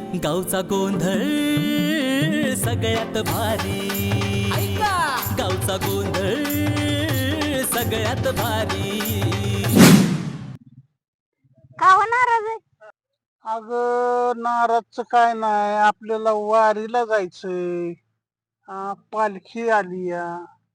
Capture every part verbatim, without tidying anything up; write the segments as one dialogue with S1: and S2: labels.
S1: गावचा गोंधळ सगळ्यात भारी, गावचा गोंधळ सगळ्यात भारी.
S2: का हो नाराज आहे?
S3: अगं नाराजचं काय नाही, आपल्याला वारीला जायचंय. हा, पालखी आली या.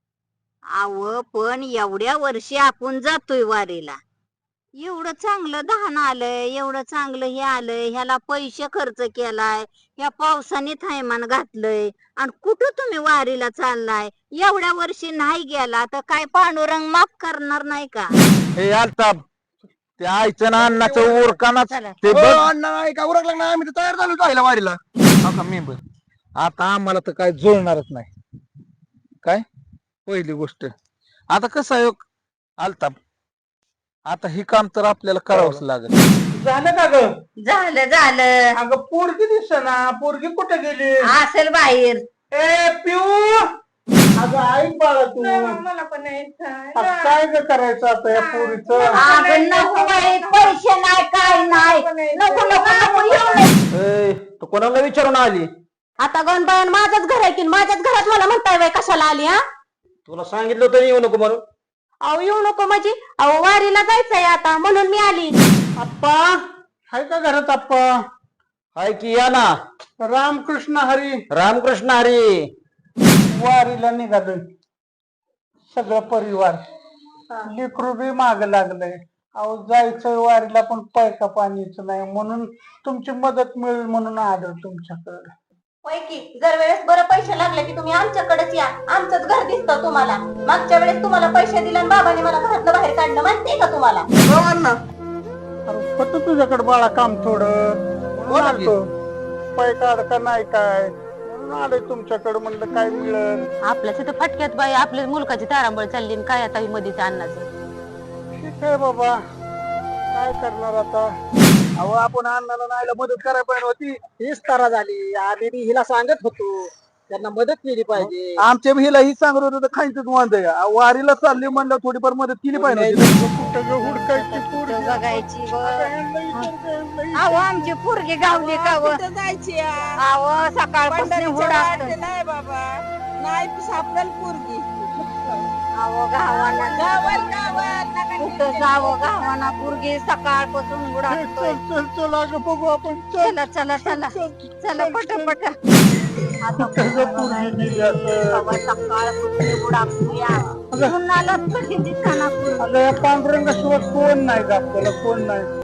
S2: अव पण एवढ्या वर्षी आपण जातोय वारीला, एवढं चांगलं धान आलंय, एवढं चांगलं हे आलंय, ह्याला पैसे खर्च केलाय, ह्या पावसाने थैमान घातलंय, आणि कुठं तुम्ही वारीला चाललाय? एवढ्या वर्षी नाही गेला तर काय पांडुरंग माफ करणार नाही का?
S4: हे अल्ताप त्या आईचं ना अन्नाचं उरकानाच ते
S3: हो,
S4: बघ.
S3: अण्णा नाही का उरकलं ना, आम्ही तर तयार झालो जायला वारीला.
S4: हा का मेंबर, आता आम्हाला तर काय जुळणारच नाही. काय पहिली गोष्ट, आता कसं आहे अल्ताप, आता हे काम तर आपल्याला करावंच लागेल.
S3: झालं का ग?
S2: झालं झालं.
S3: अगं पोरगी दिसेना, पोरगी कुठे गेली?
S2: असेल बाहेर.
S3: ए पिऊ, अगं ऐक बाळा तू,
S5: मला पण यायचं
S3: आता काय ग करायचं आता या पोरीचं?
S2: अगं नको बाई, पैसे नाही काय नाही, नको नको नको येऊ नये.
S4: तू कोणाला विचारून आली?
S2: आता गणबाई माझंच घर आहे की, माझ्याच घरात मला म्हणताय बाई कशाला आली? हा,
S4: तुला सांगितलं होतं येऊ नको म्हणून.
S2: अहो येऊ नको म्हणजे, अहो वारीला जायचंय आता म्हणून मी आली.
S3: आप्पा हाय का घरात? आप्पा
S4: हाय की, या ना.
S3: रामकृष्ण हरी.
S4: रामकृष्ण हरी.
S3: वारीला निघालोय सगळं परिवार, लेकरू बी माग लागलंय. अहो जायचंय वारीला पण पैका पाणीच नाही, म्हणून तुमची मदत मिळेल म्हणून आलो तुमच्याकडे.
S2: होय की, जर वेळेस बरं पैसे लागले की तुम्ही आमच्याकडेच या, आमचंच घर दिसतं तुम्हाला. मागच्या वेळेस तुम्हाला पैसे दिले आणि बाबाने मला घरातनं बाहेर काढलं, माहितीये का तुम्हाला?
S3: अरे होतं तुझ्याकडे बाळा काम थोडं, म्हणून आलतो. पैका अडका नाही काय, म्हणून आलोय तुमच्याकडे, म्हणलं काय मिळेल.
S6: आपल्याच इथं फटक्यात बाई आपल्या मुलकाची तारांबळ चालली आणि काय आता ही मध्येच अन्नाचं.
S3: ठीक आहे बाबा, काय करणार आता.
S4: अहो आपण अण्णाला नाहीला मदत करायला पाहिजे होती. हीच तारा झाली. आम्ही बी हिला सांगत होतो त्यांना मदत केली पाहिजे.
S3: आमच्या हिला ही सांगत होतं खायचंच वांद आहे. वारीला चालली म्हणलं थोडीफार मदत केली पाहिजे होती. कुठं ग हुडकायची पोरगी?
S2: बघायची अहो आमची पोरगी गावली का व?
S5: जायची
S2: अहो सकाळपासून हुडकतोय.
S5: नाही बाबा, नाही सापडेल पोरगी.
S2: अहो गावाला
S5: गावात गावात नका
S2: कुठं जावं गावाना, पोरगी सकाळपासून हुडकतोय.
S3: चल चल चल अगं बघू आपण. चल
S2: चला चला चला चला पटापट.
S3: कुठं ग पोरगी गेली असं?
S2: सकाळपासून हुडकतोय, पुन्हा कधी दिसताना पोरगी.
S3: अगं या पांडुरंगाशिवाय कोण नाही का आपल्याला, कोण नाही.